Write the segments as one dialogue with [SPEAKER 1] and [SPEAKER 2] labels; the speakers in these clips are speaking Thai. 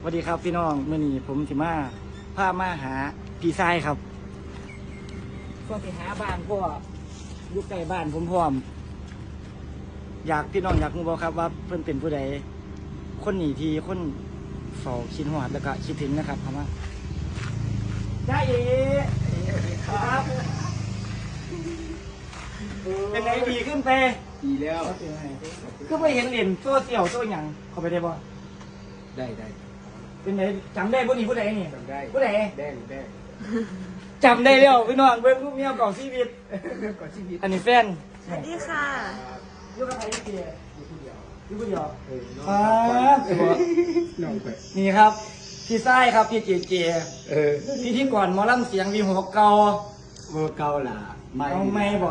[SPEAKER 1] สวัสดีครับพี่น้องมื่อนี้ผมสิมาพามาหาพี่ชายครับก็ไปหาบ้านก็อยู่ใกล้บ้านผมพร้อมอยากพี่น้องอยากรู้บ่ครับว่าเพิ่นเป็นผู้ใดคนหนีทีคนเฝ้าคิดหอดแล้วก็คิดถึงนะครับคำว่าได้เอ๋ครับเป็นไงดีขึ้นไป
[SPEAKER 2] ดีแล้ว
[SPEAKER 1] ก็ไปเห็นเหรียญโซ่เสี่ยวโซ่หยังเขาไปได้บ่
[SPEAKER 2] ได้
[SPEAKER 1] เป็นไงจำได้ผู้นี้ผู้ใดนี่
[SPEAKER 2] จำได้
[SPEAKER 1] ผู้ใด
[SPEAKER 2] แดง
[SPEAKER 1] จำได้แล้วพี่น้องเบิ่งรูปเมียเก่าชีวิต
[SPEAKER 2] ก่อนชีวิต
[SPEAKER 1] อันนี้แฟน
[SPEAKER 3] สวัสดีค่ะ
[SPEAKER 1] อยู่กับใครอยู่เดียว
[SPEAKER 2] อยู่คนเดียว
[SPEAKER 1] อยู่คนเดียว
[SPEAKER 2] น้องไป
[SPEAKER 1] นี่ครับพี่ไส้ครับพี่เจเจ พี่ที่ก่อนหมอลำเสียงวีหัวเก่า
[SPEAKER 2] เวอร์เกาหล่ะ
[SPEAKER 1] เอาไม่บ่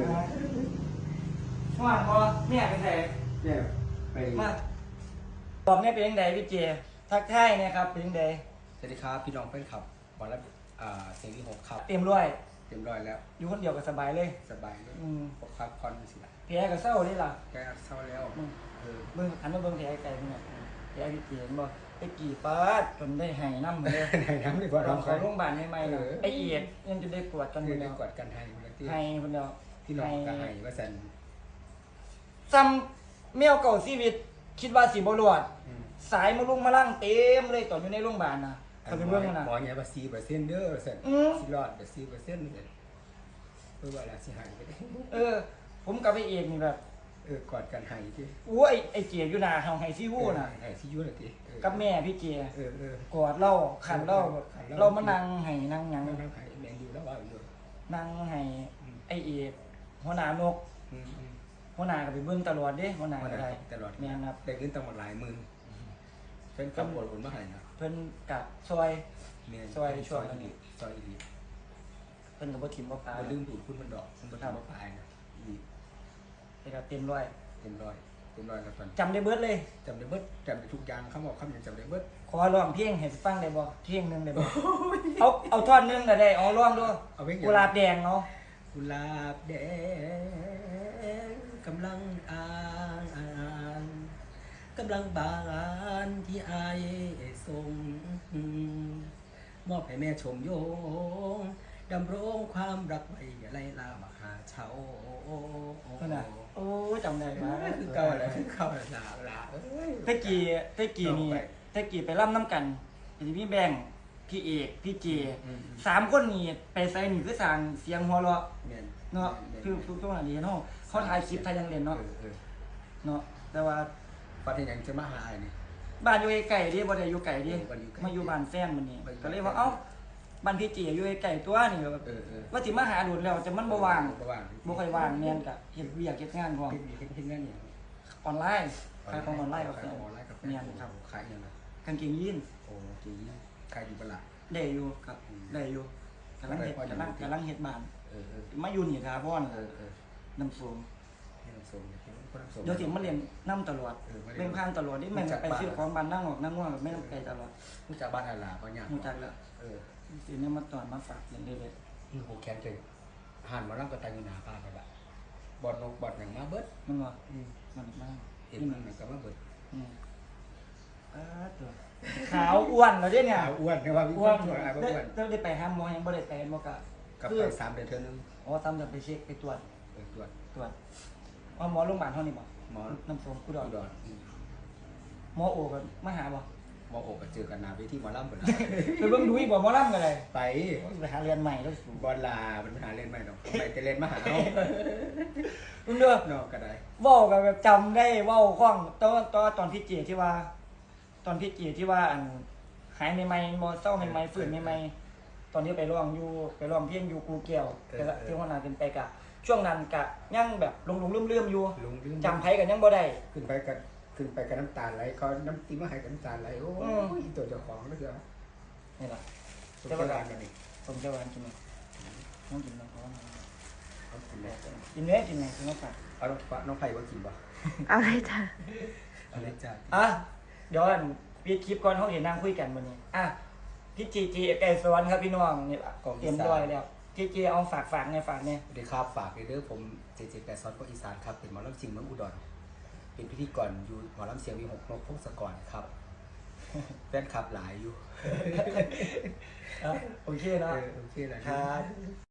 [SPEAKER 1] ว่าบ่เนี่ยเป็นไง
[SPEAKER 2] เนี่ยไป
[SPEAKER 1] มาตอบเนี่ยเป็นยังไงพี่เจทักทายเนี่ยครับเป็นยังไง
[SPEAKER 2] สวัสดีครับพี่น้องเพื่อนขับวันละเสียงที่6ครับ
[SPEAKER 1] เต็มร้อย
[SPEAKER 2] เต็มร้อยแล้ว
[SPEAKER 1] อยู่คนเดียวก็สบายเลย
[SPEAKER 2] สบายเลย
[SPEAKER 1] อืม
[SPEAKER 2] ปกครับคอนสิละ
[SPEAKER 1] แผลก็เศร้าเลยล่ะ
[SPEAKER 2] แกเศร้าแล้ว
[SPEAKER 1] เบิ่งหันมาเบิ่งแผลไกลๆเนี่ยแผลพี่เจเห็นบ่ไปกี่ปาดจนได้หายน้ำเลย
[SPEAKER 2] ไหนน้ำดีกว่า
[SPEAKER 1] ตอ
[SPEAKER 2] เรา
[SPEAKER 1] นเขาโรงพยาบาลใหม่ๆน่ะไอเอียดยังจะได้กวดกันหม
[SPEAKER 2] เงิ
[SPEAKER 1] ด
[SPEAKER 2] นได้
[SPEAKER 1] แล้ว
[SPEAKER 2] กวดกันไทยคนละที่
[SPEAKER 1] ให้คนเดียว
[SPEAKER 2] พี่น้องก็ให้ว่าสัน
[SPEAKER 1] ซ้ำแมวเก่าชีวิต คิดว่าสิบ่รอด สายมาลุงมาล่างเต็มเลยตอนอยู่ในโรงพยาบาลนะเขาเป็นเรื่องนะ
[SPEAKER 2] หมอเนี่ยว่า4%เด้อสัน
[SPEAKER 1] อืม
[SPEAKER 2] สิรอดแต่4%เลยเพื่อว่าอะไรสิหายไปได้
[SPEAKER 1] ผมกับไอเอกนี่แบบ
[SPEAKER 2] กอดกันให้ที่
[SPEAKER 1] อู้ไอเจียอยู่หนาเฮาไฮซี่วู้น่ะ
[SPEAKER 2] ให้ที่ยุ่นเลยที
[SPEAKER 1] กับแม่พี่เจีย
[SPEAKER 2] เออ
[SPEAKER 1] กอดเล่าขันเล่าแบบเรามานั่งให้นั่งหยัง
[SPEAKER 2] นั่งให้แมงอยู่แล้วว่าอยู่
[SPEAKER 1] นั่งให้ไอเอกหัวหน้านกหัวหน้าก็ไปเบิ่งตลอดเด้หัวหน้าก็ได้
[SPEAKER 2] ตลอด
[SPEAKER 1] แม่นครับ
[SPEAKER 2] ได้เงินตั้งหมดหลายหมื่นเป็นคำบทคนมาให้นะ
[SPEAKER 1] เพิ่นกับซอย ซอยช่วงนั้น
[SPEAKER 2] ซอยอี
[SPEAKER 1] เพิ่นก็บ่ถิ่มบ่ปลา
[SPEAKER 2] มันลืมดูดคุณมันดอกคุณมันทำมาปลายนะอี
[SPEAKER 1] ไปกับเต็มร้อย
[SPEAKER 2] เต็มร้อยแล้วตอน
[SPEAKER 1] จำได้เบิดเลย
[SPEAKER 2] จำได้เบิดจำได้ทุกอย่างคำบอกคำอย่างจำได้เบิด
[SPEAKER 1] ขอร้องเพลงให้ฟังได้บ่เพลงหนึงได้บ่เอาท่อนหนึงก็ได้เอาร้องด้วย
[SPEAKER 2] เอาไว้
[SPEAKER 1] กุหลาบแดงเนาะ
[SPEAKER 2] กุหลาบแดงกำลังกำลังบานที่อายส่งมอบให้แม่ชมโยงดำรงความรักไว้อย่าไล่ลามหาเช้า
[SPEAKER 1] นั่นน่ะโอ้จำได้มา
[SPEAKER 2] คือเก่าแล้วคือเก่าแล้วลา
[SPEAKER 1] ตะกี้นี่ตะกี้ไปร่ำน้ำกันมีพี่แบงค์พี่เอกพี่เจ3คนนี่ไปไสนี่คือสร้างเสียงหัวเราะเนาะคือทุกอย่างนี้เนาะเขาถ่ายคลิปถ่ายยังเล่นเนาะเนาะแต่ว่า
[SPEAKER 2] ประเทศยังจะมาหาไอ้นี่
[SPEAKER 1] บ้านอยู่ไกลๆดิบ่ได้อยู่ไกลดิ
[SPEAKER 2] บ้านอยู่ไกล
[SPEAKER 1] มาอยู่บ้านแฟนมันนี่ก็เลยว่าเอ้าบ้านพี่เจอยู่ไกลๆตัวนี่แบบว่าสิมาหาโดนแล้วแต่มันบ่ว่าง บ่ค่อยว่างแม่นก็เฮ็ดเวียกเฮ็ดงานพร้อม
[SPEAKER 2] เฮ็ดงานอย่าง
[SPEAKER 1] ออนไลน์ขายของออนไลน์กับแฟน
[SPEAKER 2] ออนไลน์กับแฟน
[SPEAKER 1] แม่นครับ
[SPEAKER 2] ขายอย่างไร
[SPEAKER 1] กางเกงยีน
[SPEAKER 2] โอ้จีขายอยู่ประหลาด
[SPEAKER 1] ได้อยู่ครับได้อยู่กำลังเฮ็ดบ้าน
[SPEAKER 2] เออ
[SPEAKER 1] มาอยู่นี่ทาพร
[SPEAKER 2] เออ
[SPEAKER 1] น้ำส้ม
[SPEAKER 2] ให้น้ำส้มคนน้ำส้ม
[SPEAKER 1] เดี๋ยวสิมาเรียนน้ำตลอดเล่นข้างตลอดนี่แม่นไปซื้อของบ้านนั่งออกนั่งว่าไม่ต้องไกลตลอด
[SPEAKER 2] ผู้จ่าบ้านอะไรก็ยาก
[SPEAKER 1] รู้จักแล้ว
[SPEAKER 2] เออ
[SPEAKER 1] สิเนี่ยมาตอนมาฝากอย่างเดียวเลย
[SPEAKER 2] โหแคนเจอหันมานั่งกระตังอยู่หน้าป้าไปแบบบอดนกบอดอย่างมาเบิด
[SPEAKER 1] มันว่ามันมาก
[SPEAKER 2] เห็นมันก็มาเบิด
[SPEAKER 1] ตัวขาวอ้วนแล้วเนี่ย
[SPEAKER 2] อ้วนนะว่า
[SPEAKER 1] อ้วน
[SPEAKER 2] อ้วนอะไรอ้วน
[SPEAKER 1] ได้ไปห้ามหมอยังบ่ได้ไปบ่กะ
[SPEAKER 2] กับไป3 เดือนเท่านึง
[SPEAKER 1] อ๋อทำจะไปเช็คไปตรวจ
[SPEAKER 2] ตรวจ
[SPEAKER 1] ว่าหมอโรงพยาบาลเท่านี้บ่
[SPEAKER 2] หมอ
[SPEAKER 1] น้ำส้มกุด
[SPEAKER 2] อุ
[SPEAKER 1] อน
[SPEAKER 2] ดร
[SPEAKER 1] หมอโอกันมาหาบ่
[SPEAKER 2] หมอโอกเจอกันนาเวทีหมอลำเปิด
[SPEAKER 1] ไปเบิ่งดูอีกบ่หมอลำกันเลย
[SPEAKER 2] ไป
[SPEAKER 1] ไปหาเรียนใหม่แล้วสู
[SPEAKER 2] บอลลาเป็นปัญหาเล่นไม่หรอกไปแต่เล่นมาหาเอา
[SPEAKER 1] มึงเด้อน
[SPEAKER 2] อกก็ได้
[SPEAKER 1] เว้ากันแบบจำได้เว้าคล่องตอนพี่เจที่ว่า ตอนพี่เจที่ว่าอันหายใหม่ๆบ่เศร้าใหม่ๆฟื้นใหม่ๆตอนนี้ไปร้องเพลงอยู่กูแก้วแต่ละที่หัวหน้าเป็นไปกะ ช่วงนั้นกะยังแบบหลงๆลืมๆอยู่
[SPEAKER 2] ลุงลืม
[SPEAKER 1] จำไผกันยังบ่ได้
[SPEAKER 2] ขึ้นไปกับน้ำตาไหลเขาน้ำตีมาให้กับน้ำตาไหลโอ้ยตัวเจ้าของแล้วเถอะ
[SPEAKER 1] นี่ล่ะ
[SPEAKER 2] เจ้าบ้านกันนี่
[SPEAKER 1] ผมจะหวานกินไหมน้องกินน้องเขา
[SPEAKER 2] เขากินแล้ว
[SPEAKER 1] กินเนื้อกินไหนกินน้องฝาก
[SPEAKER 2] เอาน้องไผ่ว่ากินบ่
[SPEAKER 3] เอาเลยจ้ะ
[SPEAKER 2] อะไรจ้า
[SPEAKER 1] อ่ะเดี๋ยวอันปิดคลิปก่อนเขาเห็นนั่งคุยกันวันนี้อ่ะพี่จีไก่สวรรค์ครับพี่น้องนี่ล่ะเตรียมร้อยแล้วจีเอาฝากในฝากเนี่ย
[SPEAKER 2] สวัสดีครับฝากเด้อผมเจเจแปดซอสก็อีสานครับเป็นหมอลำซิงเมืองอุดรเป็นพิธีกรอยู่หมอลำเสียงวี6 นกพงศกรครับแฟนคลับหลายอยู่
[SPEAKER 1] โอเคนะ
[SPEAKER 2] โอเคแหละ
[SPEAKER 1] ครับ